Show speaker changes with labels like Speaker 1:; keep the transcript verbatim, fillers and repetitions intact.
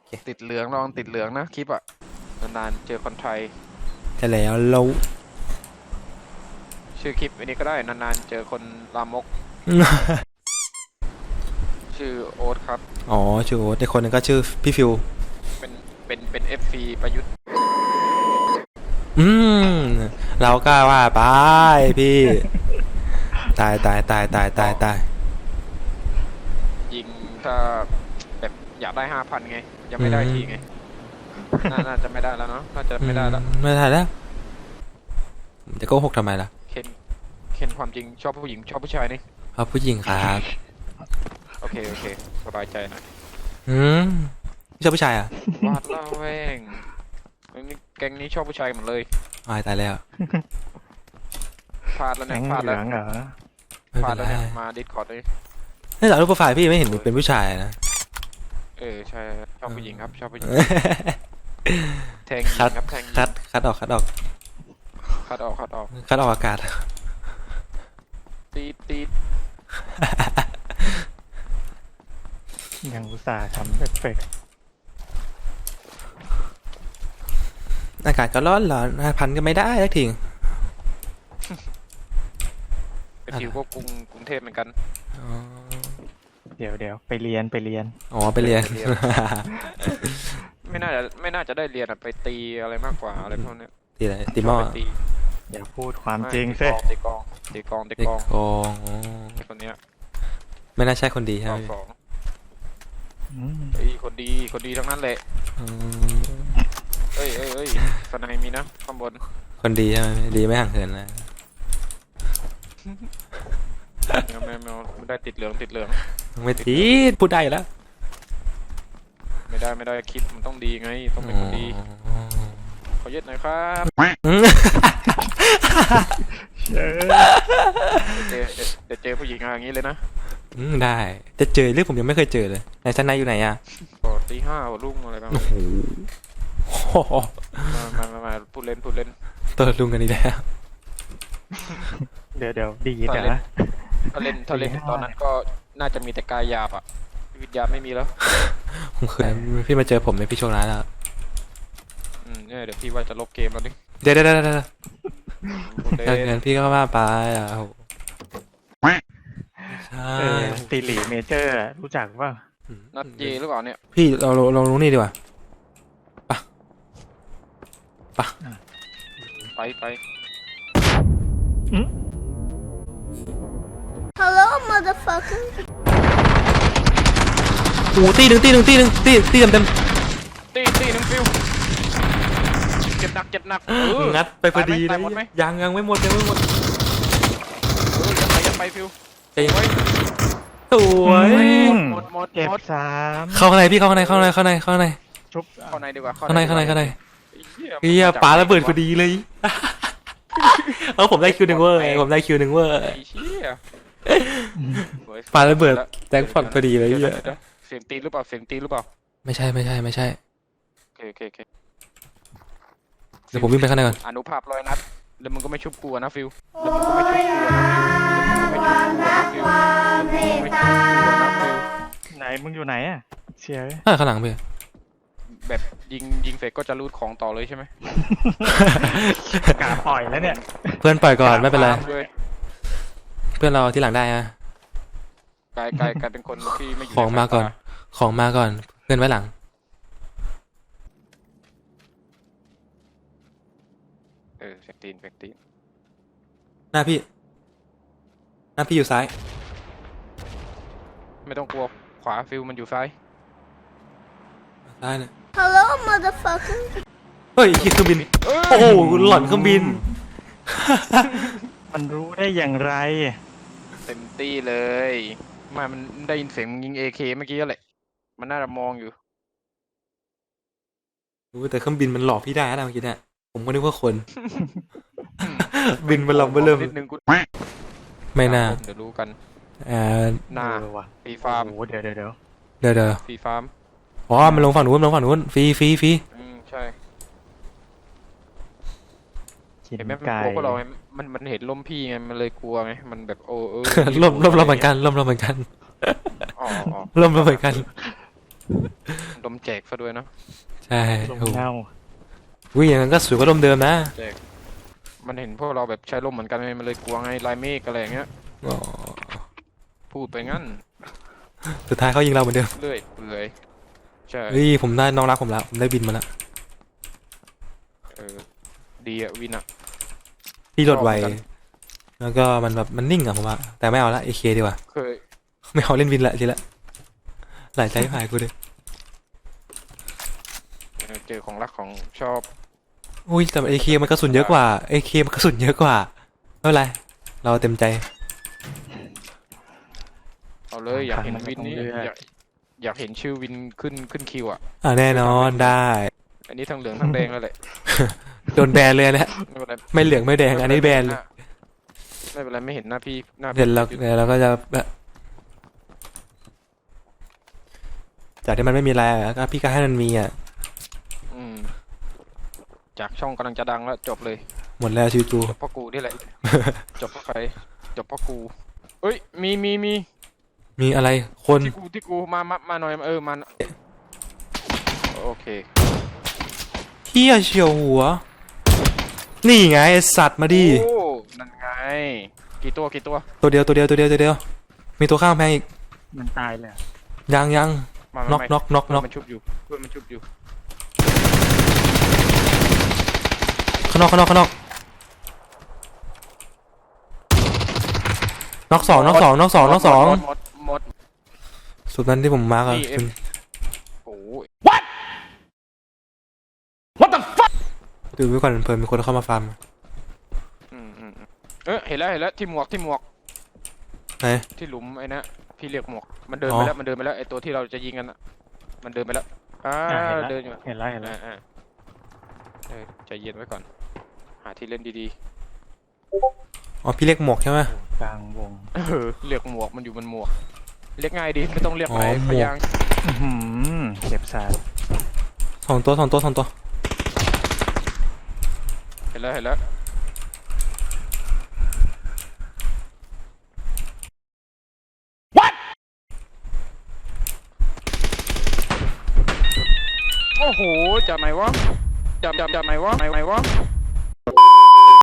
Speaker 1: ติดเหลืองลองติดเหลืองนะคลิปอะนานๆเจอคนไทย
Speaker 2: แต่แล้วเรา
Speaker 1: ชื่อคลิปอันนี้ก็ได้นานๆเจอคนลามก ชื่อโอ๊ตครับ
Speaker 2: อ๋อชื่อโอ๊ตแต่คนนึงก็ชื่อพี่ฟิว
Speaker 1: เป็นเป็นเป็นเอฟซีประยุทธ์
Speaker 2: อืมเราก็ว่าไปพี่ ตายตายตายตายตายตาย
Speaker 1: ยิงถ้าแบบอยากได้ห้าพันไงยังไม่ได้ทีไงน่าน่าจะไม่ได้แล้วเนาะน่าจะไม่ได้แล้ว
Speaker 2: ไม่ได้แล้วจะโกหกทำไมล่ะ
Speaker 1: เคนเคนความจริงชอบผู้หญิงชอบผู้ชายนี่
Speaker 2: เพราะผู้หญิงครับ
Speaker 1: โอเคโอเคสบายใจหน่อย
Speaker 2: อืมชอบผู้ชายอ่ะ
Speaker 1: วาดละแวงนี่แก๊งนี้ชอบผู้ชายหมดเลย
Speaker 2: ตายตายแล้ว
Speaker 1: พลาดแล้ว
Speaker 3: แก๊
Speaker 1: เนี่ย
Speaker 3: ง
Speaker 1: พลาด
Speaker 3: เหลื
Speaker 1: แล้ว
Speaker 3: องเหรอ
Speaker 2: ไม่
Speaker 1: พลา
Speaker 2: เป็
Speaker 1: ด
Speaker 2: น
Speaker 1: แล้ว
Speaker 2: ไร
Speaker 1: เนี่ยมาดิสคอร์ดเลย
Speaker 2: นี่แต่รูปโปรไฟล์พี่ไม่เห็นเป็นผู้ชายนะ
Speaker 1: เออใช่ชอบผู้หญิงครับชอบผู้หญิงแทงยิ
Speaker 2: คัด
Speaker 1: งครับแทงยิง
Speaker 2: คัดคัดออกคัดออก
Speaker 1: คัดออกคัดออก
Speaker 2: คัดออกอากาศ
Speaker 1: ตีดตีด
Speaker 3: ยังอุตส่าห์ทำเอฟเฟกต์
Speaker 2: อากาศก็ร้อนร้อนห้าพันก็ไม่ได้สักที
Speaker 1: เป็นทิวก็กรุงกรุงเทพเหมือนกัน
Speaker 2: อ๋อ
Speaker 3: เดี๋ยวเดี๋ยวไปเรียนไปเรียน
Speaker 2: อ๋อไปเรียน
Speaker 1: ไม่น่าจะไม่น่าจะได้เรียนอะไปตีอะไรมากกว่าอะไรพวกเนี้ย
Speaker 2: ตีอะไรตีหม้อ
Speaker 1: ชอบไปตี
Speaker 3: อย่าพูดความ
Speaker 1: ไม่
Speaker 3: จริง
Speaker 1: ตี
Speaker 3: สิ
Speaker 1: กองตีกองตี
Speaker 2: เด็ก
Speaker 1: กอง
Speaker 2: โกงอ๋อ
Speaker 1: ไอ้คนเนี้ย
Speaker 2: ไม่น่าใช่คนดีใช่
Speaker 1: ร
Speaker 2: ไห
Speaker 1: อ
Speaker 2: ม
Speaker 1: บสอง
Speaker 3: อืม
Speaker 1: เฮ้ยคนดีคนดีทั้งนั้นแหละ
Speaker 2: อืม
Speaker 1: เอ้ยเอ้ยเอ้ยสนายมีนะข้างบน
Speaker 2: คนดีใช่ไหมดีไม่ห่างเหินนะ
Speaker 1: แมวแมวแมวไม่ได้ติดเหลืองติดเหลือง
Speaker 2: ไม่ตีดพูดได้อยู่แล้ว
Speaker 1: ไม่ได้ไม่ได้คลิปมันต้องดีไงต้องเป็นคนดี
Speaker 2: อ๋อ
Speaker 1: ขอยึดหน่อยครับ
Speaker 2: อืม
Speaker 3: เออ
Speaker 1: เดี๋ยวเจอเดี๋ยวเจอผู้หญิงอย่างนี้เลยนะ
Speaker 2: อืมได้จะเจอเรื่องผมยังไม่เคยเจอเลยไหนชั้นในอยู่ไหนอ่ะ
Speaker 1: ก็ตีห้ารุ่งอะไรประมา
Speaker 2: โอ้
Speaker 1: ณ
Speaker 2: โห
Speaker 1: นี้
Speaker 2: โอ้โห
Speaker 1: มามามามาพูดเล่นพูดเล่น
Speaker 2: ตัวลุงกันอีกแล้ว
Speaker 3: เดี๋ยวเดี๋ยวดี
Speaker 1: ถ้า
Speaker 3: แต่
Speaker 1: เล่น
Speaker 3: ละ
Speaker 1: ถ้าเล่นถ้าเล่น
Speaker 3: ตีห้า
Speaker 1: ตอนนั้นก็น่าจะมีแต่กายหยาบอ่ะวิญญาณไม่มีแล้ว
Speaker 2: ผมเคยพี่มาเจอผมในพี่โชคร้ายแล้ว
Speaker 1: อืมเนี่ยเดี๋ยวพี่ว่าจะลบเกมแล้วนี่
Speaker 2: เดี๋ยวเดี๋ยวเดี๋ยวเดี๋ยว
Speaker 1: พูดเล่
Speaker 2: เงิ
Speaker 1: น
Speaker 2: นพี่ก็ว่าไปอ่ะโอ้โหใช่
Speaker 3: เออตีหลีเมเจอร์อะรู้จักว่า
Speaker 1: นัดเจหรือเปล่าเนี่ย
Speaker 2: พี่เราเราเราลงนี่ดีกว่า
Speaker 1: ไปไป
Speaker 4: Hello, motherfucker.
Speaker 2: โอ้โหตีหนึ่งตีหนึ่งตีหนึ่งตีตีเต็มเต็ม
Speaker 1: ตีตีหนึ่งฟิวเจ็บหนักเจ็บหนักเออ
Speaker 2: งัดไปพอดีเล
Speaker 1: ตาย ยหมดไหม
Speaker 2: ยังยังไม่หมดยังไม่หมด
Speaker 1: เออยัดไปยัดไปฟิว
Speaker 2: ใจเย็น
Speaker 1: โอ้ย
Speaker 2: สวย
Speaker 3: อืม
Speaker 1: หมดหมด
Speaker 3: เก็บ
Speaker 1: หมด
Speaker 3: สาม
Speaker 2: เข้าข้างในพี่เข้าข้างในเข้าข้างในเข้าข้างในเข้าข้างใน
Speaker 3: ชุบ
Speaker 1: เข้าในดีกว่า
Speaker 2: ข้างในข้างในข้างใน
Speaker 1: ไอ้
Speaker 2: เฮีย
Speaker 1: มัน
Speaker 2: ปาระเบิดพอดีเลยเออผมได้คิวหนึ่งเวอร์ไงผมได้คิวหนึ่งเวอร์
Speaker 1: ไอ้เชี่ย
Speaker 2: ปาระเบิดแจ็คพอตพอดีเลย
Speaker 1: ดี๋ว
Speaker 2: เฮีย
Speaker 1: ดี๋วดี๋วเสียงตีหรือเปล่าเสียงตีหรือเปล่า
Speaker 2: ไม่ใช่ไม่ใช่ไม่ใช่
Speaker 1: โอเคโอเคโอเค
Speaker 2: เดี๋ยวผมวิ่งไปข้างในก่อน
Speaker 1: อนุภาพร้อยนัดแล้วมึงก็ไม่ชุบกลัวนะฟิวแล้วมึงก็ไม่ชุบกลัวนะฟิวแล้วมึงก็ไม่ชุบกลัวนะฟิวแล้วมึงก็ไม่ชุบกลัวนะฟิว
Speaker 3: ไหนมึงอยู่ไหนอ่ะเชียร์
Speaker 2: อ่าข้างหลังพี่
Speaker 1: แบบยิงยิงเสร็จก็จะรูดของต่อเลยใช่ไหม
Speaker 3: กาปล่อยแล้วเนี่ย
Speaker 2: เพื่อนปล่อยก่อนไม่เป็นไร
Speaker 1: ด้วย
Speaker 2: เพื่อนเราที่หลังได้นะ
Speaker 1: กลายกลายกลายเป็นคนที่ไม่อยู่
Speaker 2: ของมาก่อน
Speaker 1: ในสยต
Speaker 2: ของมาก่อนเพื่อนไว้หลัง
Speaker 1: เออเสียงตีนเสียงตีน
Speaker 2: หน้าพี่หน้าพี่อยู่ซ้าย
Speaker 1: ไม่ต้องกลัวขวาฟิวมันอยู่ซ้าย
Speaker 2: ซ้ายเนี่ย
Speaker 4: Hello, motherfucker.
Speaker 2: เฮ้ยเครื่องบินโอ้โหหล่อนเครื่องบิน
Speaker 3: มันรู้ได้อย่างไร
Speaker 1: เต็มตี้เลยไมามันได้ยินเสียงมึงยิงเอเคเมื่อกี้แหละมันน่าจะมองอยู่
Speaker 2: รู้แต่เครื่องบินมันหลอกพี่ได้นะเมื่อกี้เนี่ยผมก็นึกว่าคน บินมาลำมาเริ่ม
Speaker 1: นิดนึงกู
Speaker 2: ไม่น่า
Speaker 1: เดี๋ยวรู้กัน
Speaker 2: อ่า
Speaker 1: หน้า
Speaker 3: เออว่ะ
Speaker 1: ฟรีฟาร์ม
Speaker 3: โอ้โหเดี๋ยวเดี๋ยวเดี๋ยว
Speaker 2: เดี๋ยวเดี๋ยว
Speaker 1: ฟรีฟาร์ม
Speaker 2: อ๋อมันลงฝั่งนู้นมันลงฝั่งนู้นฟรีฟรีฟรี
Speaker 1: อืมใช่
Speaker 3: กิน
Speaker 1: เห็นไหมมัน
Speaker 3: ไก่
Speaker 1: กลัวพวกเราไงมันมันเห็นล่มพี่ไงมันเลยกลัวไงมันแบบโอ้เออ
Speaker 2: ล่มล่มล่มเหมือนกันล่มล่มเหมือนกัน
Speaker 1: อ๋ออ๋อ
Speaker 2: ล่มล่มเหมือนกัน
Speaker 1: ดมแจกซะด้วยเนอะ
Speaker 2: ใช่
Speaker 3: ลม
Speaker 2: โอ้โห
Speaker 3: เน่า
Speaker 2: วิ่งอย่างนั้นก็สวยกว่าลมเดิมนะ
Speaker 1: แจกมันเห็นพวกเราแบบใช้ร่มเหมือนกันไงมันเลยกลัวไงลายเมฆอะไรอย่างเงี้ย
Speaker 2: อ๋อ
Speaker 1: พูดไปงั้น
Speaker 2: สุดท้ายเขายิงเราเหมือนเดิม
Speaker 1: เรื่อยเปื่อยใช่
Speaker 2: เฮ้ยผมได้น้องรักผมแล้วผมได้บินมาแล้ว
Speaker 1: เออดีอะวินอะ
Speaker 2: พี่รถไว
Speaker 1: ชอบเหมือนกัน
Speaker 2: แล้วก็มันแบบมันนิ่งอะผมว่าแต่ไม่เอาละเอเคดีกว่า
Speaker 1: เคย
Speaker 2: ไม่เอาเล่นวินละทีละหลายใจหายกูเลย
Speaker 1: เออเจอของรักของชอบ
Speaker 2: อุ้ยแต่เอเคมันกระสุนเยอะกว่าเอเคมันกระสุนเยอะกว่าไม่เป็นไรเราเต็มใจ
Speaker 1: เอาเลยอยากเห็นวินนี้อยากอยากเห็นชื่อวินขึ้นขึ้นคิวอะ
Speaker 2: อ่าแน่นอนได้
Speaker 1: อันนี้ทั้งเหลืองทั้งแดงแล้วแหละ
Speaker 2: โดนแบนเลยนะ
Speaker 1: ไม่เป็นไร
Speaker 2: ไม่เหลืองไม่แดงอันนี้แบนเลย
Speaker 1: ไม่เป็นไรไม่เห็นหน้าพี่หน้าพี่
Speaker 2: เดี๋ยวเราเดี๋ยวเราก็จะแบบจากที่มันไม่มีอะไรอะก็พี่ก็ให้มันมีอ่ะ
Speaker 1: อืมจากช่องกำลังจะดังแล้วจบเลย
Speaker 2: หมดแล้วชีวิตกู
Speaker 1: จบเพราะกูนี่แหละ จบเพราะใครจบเพราะกูเอ้ยมีมีมี
Speaker 2: มีอะไรคน
Speaker 1: ที่กูที่กูมามามาหน่อยเออมาโอเค
Speaker 2: เฮียเฉียวหัว นี่ไงไอ้สัตว์มาดิ
Speaker 1: โอ้นั่นไงกี่ตัวกี่ตัว
Speaker 2: ตัวเดียวตัวเดียวตัวเดียวตัวเดียว มีตัวข้างแพงอีก
Speaker 3: มันตายเลยอะ
Speaker 2: ยังยัง
Speaker 1: มา
Speaker 2: น็อก
Speaker 1: ไม่
Speaker 2: น็อกน็อก
Speaker 1: เพื่
Speaker 2: น็
Speaker 1: อ
Speaker 2: อน ก
Speaker 1: มันชุบอยู่เพื่อนมันชุบอยู่
Speaker 2: ข้างนอกข้างนอกข้างนอกน็อกสองน็อกสองน็อกสองน็อกสอง
Speaker 1: หมดหมด
Speaker 2: สุดนั้นที่ผมมาร์กอะ
Speaker 1: นี่เอ็
Speaker 2: คือ
Speaker 1: ม โอ้ย
Speaker 2: ดูไว้ก่อนเผื่อมีคนเข้ามาฟาร์ม
Speaker 1: อืมอืมอืมเออเห็นแล้วเห็นแล้วที่หมวกที่หมวก
Speaker 2: ไหน
Speaker 1: ที่หลุมไอ้นะพี่เรียกหมวกมันเดิน
Speaker 2: อ๋อ
Speaker 1: ไปแล้วมันเดินไปแล้วไอ้ตัวที่เราจะยิงกันอะมันเดินไปแล้วอ่า
Speaker 3: อ่ะ
Speaker 1: เดินอยู่
Speaker 3: เห็นแล้วเห็นแล้ว
Speaker 1: อ่าอ่าเออใจเย็นไว้ก่อน หาที่เล่นดี
Speaker 2: อ๋อพี่เรียกหมวกใช่ไหม
Speaker 3: โอ้กลางวง
Speaker 1: ๆเออเรียกหมวกมันอยู่บนหมวก เรียกง่ายดีไม่ต้องเรียก
Speaker 2: อ๋อ
Speaker 1: อะไร
Speaker 2: หมวก
Speaker 1: พยางค์
Speaker 3: อื้อหือเจ็บสาด
Speaker 2: สองตัวสองตัวสองตัว
Speaker 1: เห็นแล้วเห็นแล้วโอ้โหจับไหนวะจับจับจับไหนวะไหนไหนวะ